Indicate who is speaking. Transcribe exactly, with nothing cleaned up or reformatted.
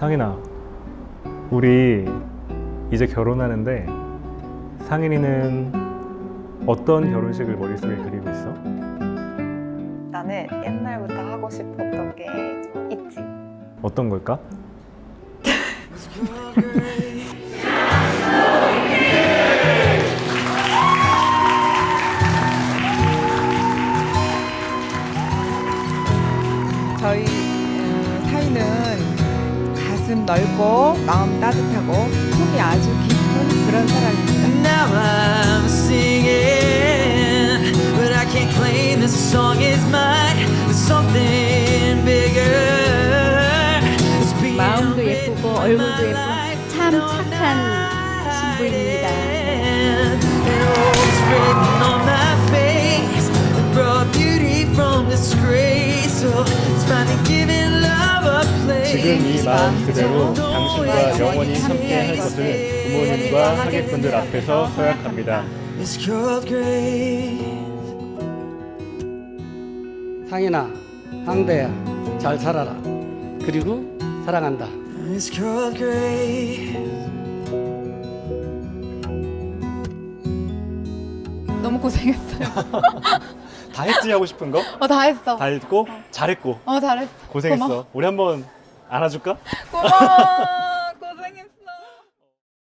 Speaker 1: 상인아, 우리 이제 결혼하는데 상인이는 어떤 결혼식을 머릿속에 그리고 있어?
Speaker 2: 나는 옛날부터 하고 싶었던 게 있지.
Speaker 1: 어떤 걸까?
Speaker 3: 저희 어, 사이는 가슴 넓고 마음 따뜻하고 속이 아주 깊은 그런 사랑입니다.
Speaker 4: Now I'm singing, but I can't claim this song is mine. There's something bigger. It's being
Speaker 5: 마음도
Speaker 4: written
Speaker 5: 예쁘고
Speaker 4: by
Speaker 5: 얼굴도
Speaker 4: my
Speaker 5: 예쁘고
Speaker 4: life.
Speaker 5: 참 착한 신부입니다.
Speaker 4: And it's written on my face. It brought beauty from disgrace. So it's finally giving love a place.
Speaker 1: 지금 이 마음 그대로 당신과 영원히 함께 할 것을 부모님과 하객분들 앞에서 서약합니다.
Speaker 4: It's called grace.
Speaker 6: 상인아, 항대야, 잘 살아라. 그리고 사랑한다.
Speaker 4: It's called grace.
Speaker 7: 너무 고생했어요.
Speaker 1: 다 했지 하고 싶은 거?
Speaker 7: 어, 다 했어.
Speaker 1: 다 했고 잘했고
Speaker 7: 어, 잘했어.
Speaker 1: 고생했어.
Speaker 7: 고마워.
Speaker 1: 우리 한번 안아줄까?
Speaker 7: 고마워.